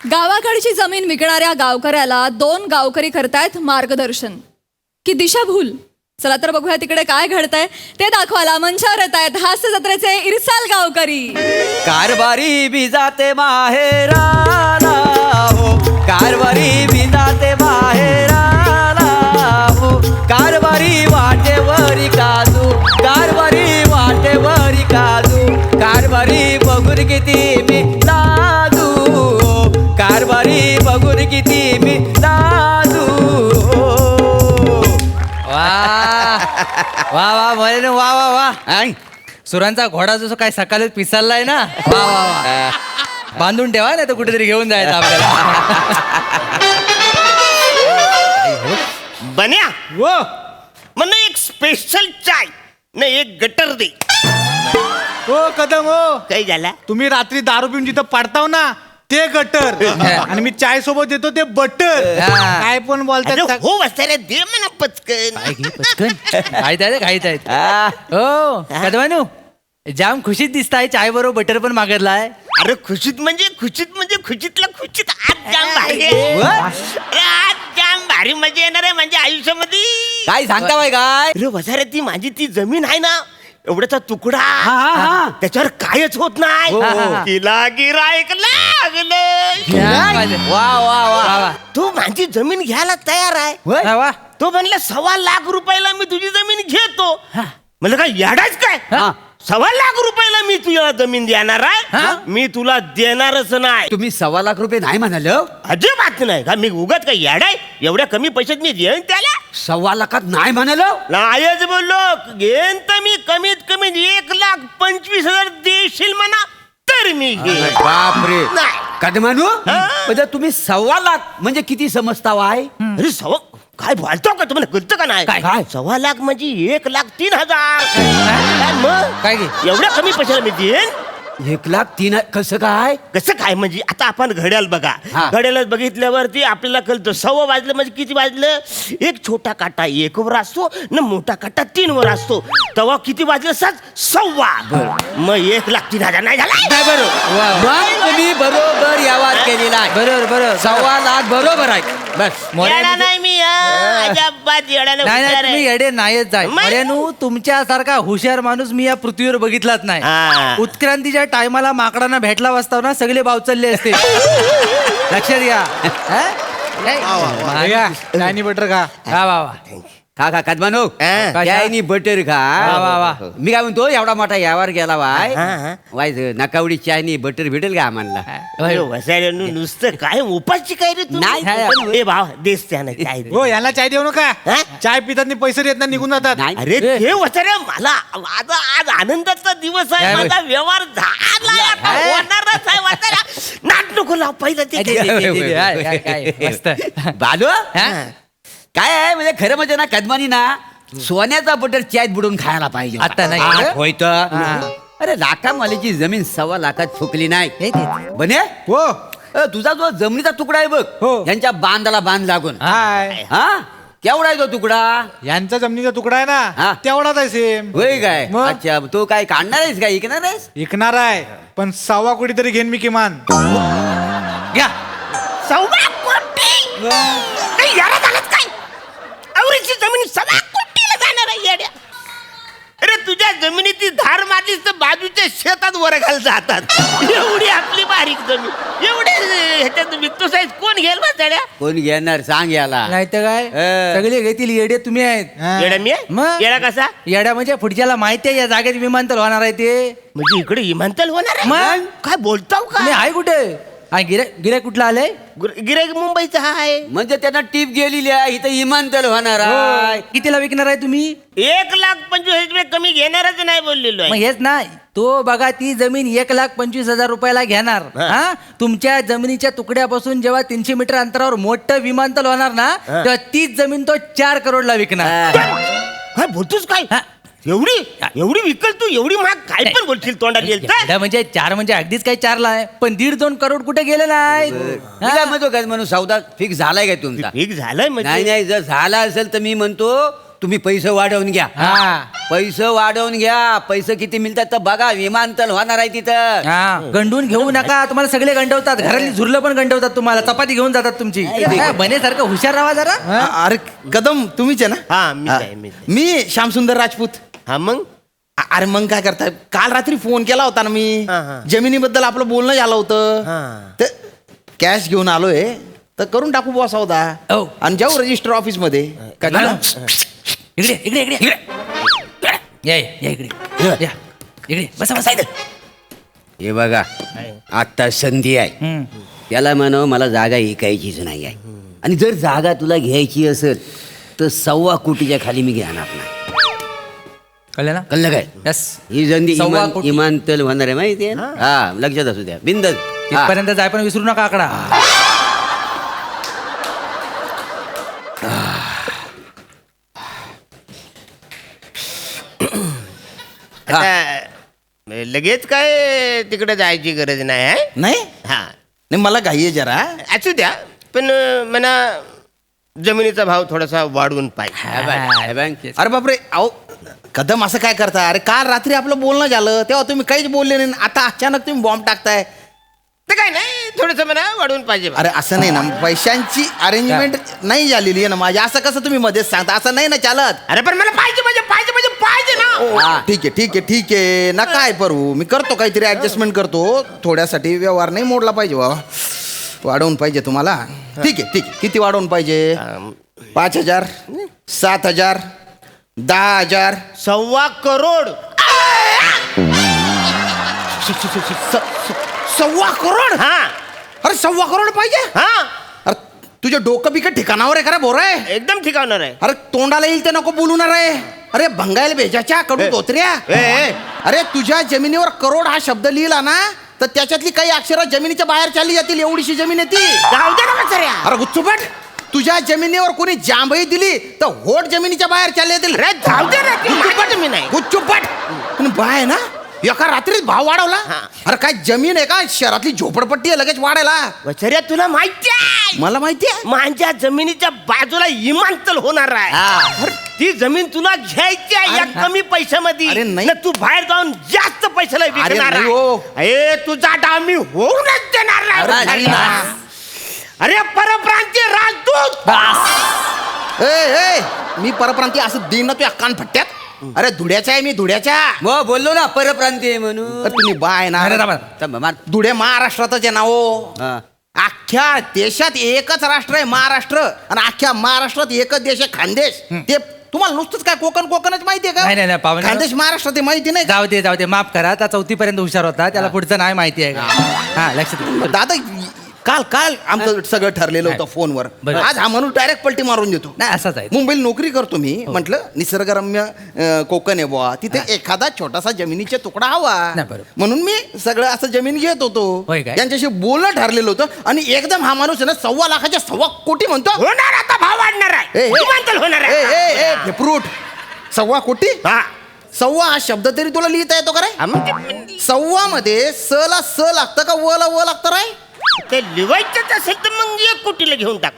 गावाकडची जमीन विकणाऱ्या गावकऱ्याला 2 गावकरी करतायत मार्गदर्शन की दिशाभूल. चला तर बघूया तिकडे काय घडतंय ते दाखवायला मंचावर येत आहेत हास्य जत्रेचे इरसाल गावकरी. कारभारी भी जाते माहेराला हो, कारभारी भी जाते माहेराला हो, कारभारी वाटेवरी काजू, कारभारी वाटेवरी काजू, कारभारी बघून किती मी लाजू, कारभारी बघून किती मी लाजू. वा वा म्हणे वा वा वा. सुरांचा घोडा जसं काय सकाळीच पिसाललाय ना. वा वा वा. बांधून ठेवा नाही तर कुठेतरी घेऊन जायचं आपल्याला. बन्या वो मला एक स्पेशल चाय न एक गटर दे. हो कदम हो, काही झाला तुम्ही रात्री दारू पिऊन जिथं पडताव ना ते गटर आणि मी चाय सोबत देतो ते बटर. हा. काय पण अरे बोलतात. हो वाचायला दे म्हणा पटकन. काय घे पटकन. खायत आहेत खायत आहेत. आ, हो कदवानू जाम खुशीत दिसताय. चाय बरोबर बटर पण मागितलाय. अरे खुशीत म्हणजे खुशीतला खुशीत आज जाम भारी आहे. अरे आज जाम भारी मजा येणार आहे म्हणजे आयुष्यामध्ये. काय सांगता बाय काय? अरे वसारे ती माझी ती जमीन आहे ना एवढ्याचा तुकडा हा. त्याच्यावर कायच होत नाही. हो. तिला गिरायक लागलं. वा वा वा वा. तू माझी जमीन घ्यायला तयार आहे. होय? वा वा. तो म्हणला 1.25 लाख रुपयाला मी तुझी जमीन घेतो. म्हणलं काय याडाच काय? हा. 1.25 लाख रुपयाला मी तुझ्या जमीन देणार आहे. मी तुला देणारच नाही. तुम्ही 1.25 लाख रुपये नाही म्हणाल? अजिबात नाही का मी उगाच काय याडाय एवढ्या कमी पैशात मी देईन त्याला. 1.25 लाखात नाही म्हणाल? नाहीच बोललो घेईन तर मी कमीत कमी 1,25,000 देशील म्हणा तर मी घेईन. बापरे. नाही. कदमानू हा. म्हणजे तुम्ही 1.25 लाख म्हणजे किती समजता वाय? अरे काय बोलतो का तुम्हाला कळतं का नाही? काय? 1.25 लाख म्हणजे 1,03,000. काय मग काय घे एवढ्या कमी पैशाला मी देईन. 1,03,000 कसं काय? कसं काय म्हणजे आता आपण घड्याळ बघा. हा. घड्याळ बघितल्यावरती आपल्याला कळतं 1.15 वाजलं म्हणजे किती वाजलं. एक छोटा काटा 1 वर असतो न मोठा काटा 3 वर असतो. तेव्हा किती वाजलं 7:15. मग 1,03,000 नाही झाला. वा वा. मग तुम्ही बरोबर यावाज केलेला आहे. बरोबर बरोबर. 1.25 लाख बरोबर आहे. बस येडा नाही मी अजिबात येडा नाही नाही हुशार तुम्ही आहे. येडे नाहीच जाय. मग? अरेनू तुमच्यासारखा हुशार माणूस मी या पृथ्वीवर बघितलाच नाही. हा. उत्क्रांतीच्या टायमाला माकडांना भेटला वाजताव ना सगळे बाव चालले असते. लक्षात घ्या. हा? काय? चायनी बटर का? वा वा वा. खा खा कदमानू हा. त्यानी बटर खा. वा, वा, वा. मी काय म्हणतो एवढा मोठा यावर गेला वाय हा, हा. वाय नकावडी चायनी बटर भेटेल का आम्हाला? अरे वसायला नुसतं काय उपाशी काय रे नाही. नाही भाव देस त्यानं काय दे. हो यांना चाय देऊ नका. हा? चाय पितात पैसे देत नाही निघून जातात. नाही. अरे ते वसारे मला आज आनंदाचा दिवस आहे. काय माझा व्यवहार झाला आता हा? होणारच आहे वसाऱ्या. नाट नको लाव पहिलं ते दे, दे, दे, दे, दे. हाय, हाय, हाय. मस्त. बालू हा? काय आहे म्हणजे खरं म्हणजे ना कदमानी ना सोन्याचा बटर चायत बुडून खायला पाहिजे. आता नाही. हा, होय तर. हा. अरे लाखामालीची जमीन 1.25 लाखात फुकली नाही. हे ते. बने हो तुझा जो जमिनीचा तुकडा आहे बघ हो. यांच्या बांधाला बांध लागून हाय. हा केवढा आहे तो तुकडा? यांचा जमिनीचा तुकडा आहे हा. ना तेवढाच आहे सेम. होय काय? मग? अच्छा तो काय काढणार आहेस काय ऐकणार आहेस? विकणार आहे पण 1.25 कोटी तरी घेईन मी किमान. घ्या. 1.25 कोटी काही याला झालंच काय? आवरीची जमीन 1.25 कोटीला जाणार आहे येड्या. अरे तुझ्या जमिनीची धार मारलीस तर बाजूच्या शेतात वर घाल जातात. एवढी आपली बारीक जमीन एवढे ह्याच्यात विकतो साईज कोण घेईल बसाड्या? कोण घेणार सांग याला. नाही तर काय सगळे घेतील येडे तुम्ही आहेत. हा. येड्या मी आहे? मग? येडा कसा येड्या म्हणजे पुढच्याला माहिती आहे या जागेत विमानतळ होणार आहे ते. म्हणजे इकडे विमानतळ होणार आहे? मग? काय बोलताव तुम्ही का? आहे कुठे? गिराय कुठला आलंय? गिराईक मुंबईचा आहे. म्हणजे त्यांना टीप गेलेली आहे इथं विमानतळ होणार आहे. कितीला विकणार आहे तुम्ही? 1,25,000 कमी घेणारच नाही बोललेलो मग आहे. हेच ना तो बघा ती जमीन 1,25,000 रुपयाला घेणार. हा तुमच्या जमिनीच्या तुकड्यापासून जेव्हा 300 मीटर अंतरावर मोठं विमानतळ होणार ना तेव्हा तीच जमीन तो 4 करोडला विकणार. काय बोलतोस काय? हा. एवढी विकल तू एवढी महाग काय पण बोलशील तोंडात येईल तर? येडा म्हणजे 4 म्हणजे अगदीच काही 4ला आहे पण 1.5-2 करोड कुठे गेले नाही. मी काय म्हणतो काय म्हणून सौदा फिक्स झालाय काय तुमचा? ठीक झालंय नाही म्हणजे नाही जर झाला असेल तर मी म्हणतो तुम्ही पैसे वाढवून घ्या. पैसे वाढवून घ्या. पैसे किती मिळतात तर बघा. विमानतळ होणार आहे तिथं. गंडून घेऊ नका. तुम्हाला सगळे गंडवतात. घरातली झुरलं पण गंडवतात तुम्हाला. चपाती घेऊन जातात तुमची. काय बनेसारखं हुशार राहा जरा. अरे कदम तुम्हीच आहे ना? हा मीच आहे मीच आहे. मी श्यामसुंदर राजपूत. हा मग अरे मग काय करताय? काल रात्री फोन केला होता ना मी. हा. जमिनीबद्दल आपलं बोलणं झालं होतं. हा. तर कॅश घेऊन आलोय तर करून टाकू बॉस होता. हो. आणि जाऊ रजिस्टर ऑफिस मध्ये. काय झालं? इकडे इकडे इकडे या या इकडे या इकडे बसा बसा इकडे. हे बघा आता संधी आहे. त्याला म्हणावं मला जागा ऐकायचीच नाही आहे. आणि जर जागा तुला घ्यायची असेल तर 1.25 कोटीच्या खाली मी घेणार नाही. कळलं ना? कळलं काय? यस. ही संधी 1.25 कोटी. विमानतळ होणार आहे माहिती आहे ना? हा लक्षात असू द्या. बिंदच तिथपर्यंत जाय पण विसरू नका आकडा. आता लगेच काय तिकडे जायची गरज नाही आहे. नाही हा नाही, मला घाई आहे जरा. असू द्या पण म्हणा जमिनीचा भाव थोडासा वाढवून पाहिजे. अरे बापरे अहो कदम असं काय करता? अरे काल रात्री आपलं बोलणं झालं तेव्हा तुम्ही काहीच बोलले नाही. आता अचानक तुम्ही बॉम्ब टाकताय. तर काय नाही थोडस म्हणा वाढवून पाहिजे. अरे असं नाही ना, पैशांची अरेंजमेंट नाही झालेली आहे ना माझी. असं कसं तुम्ही मध्येच सांगता? असं नाही ना चालत. अरे पण मला पाहिजे म्हणजे पाहिजे म्हणजे पाहिजे ना. ठीक आहे ठीक आहे ठीक आहे ना, काय करू मी करतो काहीतरी ऍडजस्टमेंट करतो. थोड्यासाठी व्यवहार नाही मोडला पाहिजे बाबा. वाढवून पाहिजे तुम्हाला. ठीक आहे ठीक आहे. किती वाढवून पाहिजे? 5,000 7,000 10,000 1.25 करोड. 1.25 करोड? हा अरे 1.25 करोड पाहिजे? हा अरे तुझ्या डोकं बिकट ठिकाणावर आहे का रे बोर आहे? एकदम ठिकावणार आहे. अरे तोंडाला येईल ते नको बोलून रे. अरे भंगायला भेजाच्या कडू धोत्र्या. अरे तुझ्या जमिनीवर करोड हा शब्द लिहिला ना तर त्याच्यातली काही अक्षरं जमिनीच्या बाहेर चालली जातील. एवढीशी जमीन आहे ती. जाऊ दे ना म्हाताऱ्या. अरे गुच्चूपट, तुझ्या जमिनीवर कोणी जांभई दिली तर होट जमिनीच्या बाहेर चालले जातील. अरे जाऊ दे ना ती माझी जमीन आहे. गुच्चूपट. पण बाय ना एका रात्रीत भाव वाढवला. अरे काय जमीन आहे का? शहरातली झोपडपट्टी आहे लगेच वाढायला. म्हाताऱ्या तुला माहिती आहे मला माहिती आहे. माझ्या जमिनीच्या बाजूला विमानतळ होणार आहे. ती जमीन तुला घ्यायची आहे या अरे, कमी पैशामध्ये. अरे नाही. ना तू बाहेर जाऊन जास्त पैशाला विकणार नाही आहे. हो. अरे तुझा डाव मी होऊनच देणार नाही अरे नाही म्हाताऱ्या. ना. अरे परप्रांतीय राजदूत. ए मी परप्रांतीय असं देईन ना तुझ्या कान फट्ट्यात. अरे धुड्याचा आहे मी, धुड्याच्या. मग बोललो ना परप्रांतीय म्हणून. अरे तुम्ही बाय ना. अरे दाबा. थांबा, मार. धुळे महाराष्ट्रातच आहे ना हो. हा. अख्ख्या देशात एकच राष्ट्र आहे महाराष्ट्र. आणि अख्ख्या महाराष्ट्रात एकच देश आहे खानदेश. ते तुम्हाला नुसतंच काय कोकणच माहितीये नाही, नाही, का? पाहुणे. खानदेश महाराष्ट्रात आहे, माहिती नाही का? जाऊ दे माफ करा. आता 4थी पर्यंत हुशार होता. त्याला पुढचं नाही माहिती आहे का? हा लक्षात ठेवा. दादा काल आमचं सगळं ठरलेलं होतं फोनवर. बरं. आज हा म्हणून डायरेक्ट पलटी मारून देतो. नाही असाच आहे. मुंबईला नोकरी करतो मी. म्हटलं निसर्गरम्य कोकण आहे बुवा, तिथे एखादा छोटासा जमिनीचा तुकडा हवा. नाही, बरोबर. म्हणून मी सगळं असं जमीन घेत होतो. होय काय? यांच्याशी बोलणं ठरलेलं होतं आणि एकदम हा माणूस आहे ना 1.25 लाखाच्या 1.25 कोटी म्हणतो. होणार आता भाव वाढणार आहे. विमानतळ होणार आहे. फ्रूट 1.25 कोटी. हा. 1.25 हा शब्द तरी तुला लिहिता येतो का रे? हा, मग ते- 1.25 मध्ये स ला स लागतं का व ला व लागतं रे? ते लिवायचंच असेल तर मग 1 कोटीला घेऊन टाक.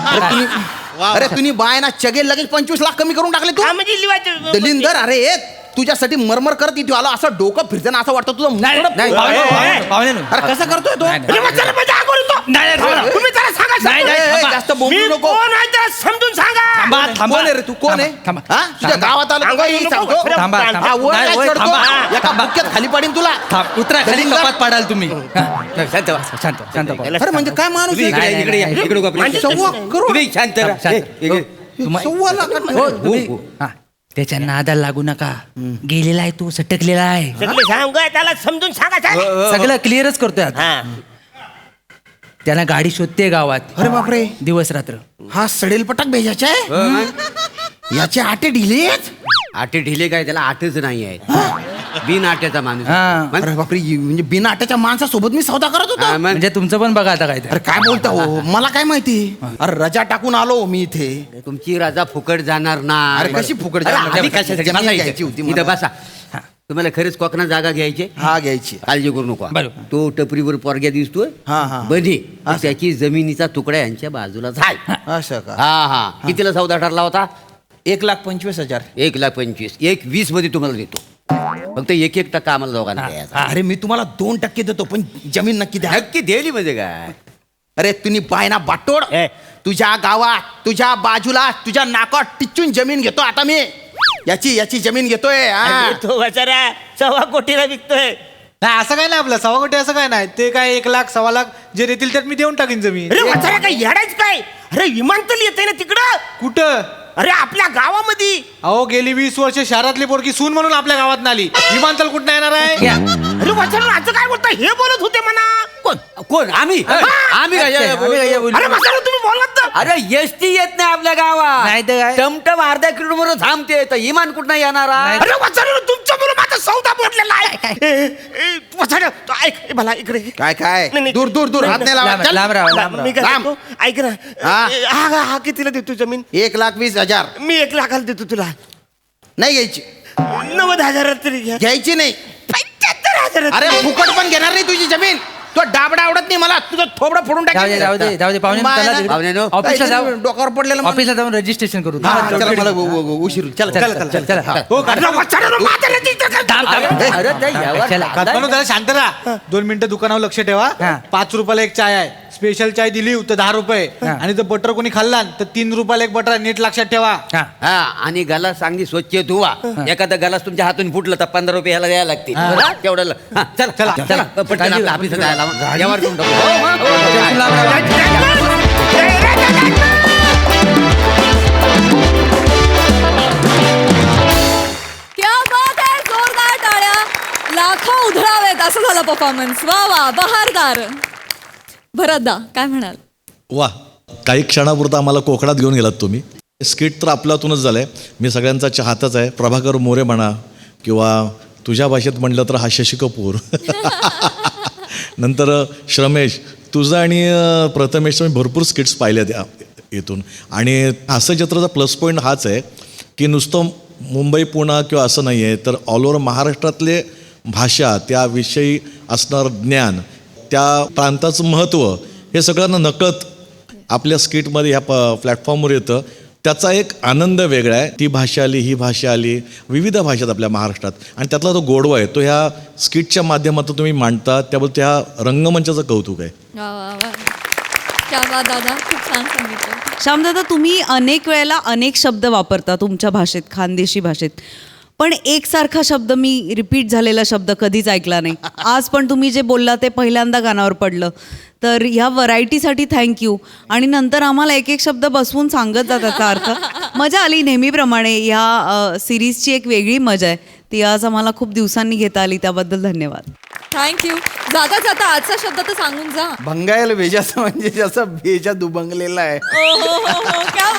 अरे तुम्ही बाय ना चगेल लगेच 25 लाख कमी करून टाकले तू. हा म्हणजे लिवायचं. दलिंदर अरे तुझ्यासाठी मरमर करत इथे आलो. असं डोकं फिरताना असं वाटतं तुझं नाही, मुंडकं- नाही, पाहुणे. अरे कसं करतोय तो? नाही, नाही. अरे म्हाताऱ्या, म्हणजे आगोर येतो. नाही, थांबा. तुम्ही त्याला सांगा नाही, समजून. नाही, थांबा. जास्त मी बोलू नको. कोण आहे त्याला समजून सांगा. कोण आहे रे तू? कोण आहे? थांबा. हा? तुझ्या गावात आलो सांगा, काही नको, सांगतो? नको. थांबा, थांबा. हा, वर नाही, काय वर चढतो? थांबा. एका बुक्क्यात खाली पाडीन तुला. उतरा खाली दलिंदर. कपात पाडाल तुम्ही. शांत पाहू. अरे म्हणजे काय माणूस आहे? नाही, नाही, इकडे या, नाही. इकडे उभा. 1.25 करोड. तुम्ही शांत राहा. शांत. ए, इकडे. तुम्हा- 1.25 लाखात. हो, तुम्ही- हा, त्याच्या नादाला लागू नका. गेलेला आहे तू, सटकलेला आहे. सगळे सांगा त्याला समजून सांगा साहेब. सगळं क्लिअरच करतोय आता. हा. त्याला गाडी शोधते गावात अरे बापरे, दिवस रात्र. हा सडेल पटक भेजायचा आहे. याचे आटे ढिलेत. आटे ढिले काय? त्याला आटच नाही आहे. बिन आट्याचा माणूस. हा. मग? अरे बापरे, म्हणजे बिना आट्याच्या माणसासोबत मी सौदा करत होतो. हा, मग? म्हणजे तुमचं पण बघा आता काय ते. अरे काय बोलता हो, मला काय माहिती. अरे रजा टाकून आलो मी इथे. तुमची राजा फुकट जाणार ना. अरे कशी फुकट अरे, जाणार? आधी कशासाठी? जमीन बसा घ्यायची इथे. होती इथं मला. बसा. तुम्हाला खरंच कोकणात जागा घ्यायची? हा घ्यायची. काळजी करू नको. बरोबर. तो टपरीवर पोरग्या दिसतोय हा, हा. बने त्याची जमिनीचा तुकडा यांच्या बाजूलाच आहे. असं का? हा हा. कितीला सौदा ठरला होता? 1,25,000. 1,25,000 1,20,000 मध्ये तुम्हाला देतो. फक्त 1% आम्हाला दोघांना द्यायचा. अरे मी तुम्हाला 2% देतो पण जमीन नक्की द्या. नक्की दिली म्हणजे काय. अरे तुम्ही पायना बाटोड तुझ्या गावात तुझ्या बाजूला तुझ्या नाकात टिचून जमीन घेतो आता मी. याची जमीन घेतोय हा. अरे तो बचारा 1.25 कोटीला विकतोय. नाही असं काय नाही आपलं 1.25 कोटी असं काय नाही. ते काय 1 लाख 1.25 लाख जे देतील त्यात मी देऊन टाकीन जमीन. अरे बचारा काय येडायच काय. अरे विमानतळ येते ना तिकडं. कुठं? अरे आपल्या गावामध्ये. अहो गेली 20 वर्ष शहरातली पोरगी सून म्हणून आपल्या गावात आली. विमानतळ कुठं येणार आहे? अरे बचारा असं काय बोलता. हे बोलत होते म्हणा. कोण आम्ही आम्ही काय आम्ही काय बोलू? अरे बचारा तुम्ही बोलत ना. अरे एसटी येत नाही आपल्या गावात. नाही तर काय? टमटम अर्ध्या किलोमीटर थांबते तर इमान कुठं येणार आहे? अरे बचारा तुमच्या मुलं माझा सौदा बोललेला आहे. बचारा ऐक मला इकडे. काय नाही, नाही. दूर दूर दूर हात नाही लावा. चल. लांब राहा. मी काय लांब. म्हणतो, ऐक ना. हा. हा कितीला देतो जमीन. 1,20,000 मी 1 लाखाला देतो तुला. नाही घ्यायची. 90,000 तरी घ्या. घ्यायची नाही. 75,000. अरे फुकट पण घेणार नाही तुझी जमीन. तो डाबडा आवडत नाही मला. तुझं थोबडं फोडून जाऊ दे पाहुणे पाहुण्यानो. ऑफिसला जाऊ. डोक्यावर पडलेलं मला. ऑफिसला जाऊन रजिस्ट्रेशन करू. हा, चला मला उशीर होईल. चला चला चला चला हा. हो अरे बचारा माझ्या रजिस्टर कर. अरे ते यावर चला. काकांनो जरा शांत राहा. 2 मिनिटं दुकानावर लक्ष ठेवा. हा. 5 रुपयाला एक चाय आहे. स्पेशल चाय दिली तर 10 रुपये. हा. आणि जर बटर कोणी खाल्ला तर 3 रुपयाला एक बटर आहे. नीट लक्षात ठेवा. हा. हा आणि गलास चांगली स्वच्छ धुवा. एखादा गलास तुमच्या हातून फुटलं तर 15 रुपये ह्याला द्यायला लागतील. हा, तेवढं हा, चला चला चला पटकन आपल्या ऑफिसात जायला यावर करून टाकू. हो, हो, हो. लांब राहा. क्या बात आहे. जोरदार टाळ्या. लाखो उधळावेत असं झालं परफॉर्मन्स. वा वा बहारदार. भरतदा काय म्हणाल. वा काही क्षणापुरता आम्हाला कोकणात घेऊन गेलात तुम्ही. स्किट तर आपल्यातूनच झालंय. मी सगळ्यांचा चाहताच आहे. प्रभाकर मोरे म्हणा किंवा तुझ्या भाषेत म्हणलं तर हा शशी कपूर. नंतर श्रमेश तुझं आणि प्रथमेशचं मी भरपूर स्किट्स पाहिल्यात इथून. आणि हास्यचित्राचा प्लस पॉईंट हाच आहे की नुसतं मुंबई पुणे किंवा असं नाही आहे तर ऑल ओव्हर महाराष्ट्रातले भाषा त्याविषयी असणारं ज्ञान त्या प्रांताचं महत्त्व हे सगळ्यांना नकळत आपल्या स्किटमध्ये ह्या प्लॅटफॉर्मवर येतं. त्याचा एक आनंद वेगळा आहे. ती भाषा आली ही भाषा आली विविध भाषेत आपल्या महाराष्ट्रात आणि त्यातला तो गोडवा आहे तो ह्या स्किटच्या माध्यमातून तुम्ही मांडता त्याबद्दल त्या रंगमंचाचं कौतुक आहे. वा वा वा. क्या बात दादा खूप छान सांगितलं. श्यामदादा तुम्ही अनेक वेळेला अनेक शब्द वापरता तुमच्या भाषेत खानदेशी भाषेत पण एकसारखा शब्द मी रिपीट झालेला शब्द कधीच ऐकला नाही. आज पण तुम्ही जे बोलला ते पहिल्यांदा गाण्यावर पडलं तर ह्या व्हरायटीसाठी थँक्यू. आणि नंतर आम्हाला एक एक शब्द बसवून सांगत जा त्याचा अर्थ. मजा आली नेहमीप्रमाणे. ह्या सिरीजची एक वेगळी मजा आहे ती आज आम्हाला खूप दिवसांनी घेता आली त्याबद्दल धन्यवाद. थँक्यू. जाता जाता आजचा शब्द तर सांगून जा. भंगायला भेजाचं म्हणजे जसं भेजा दुबंगलेला आहे. ओ हो हो हो क्या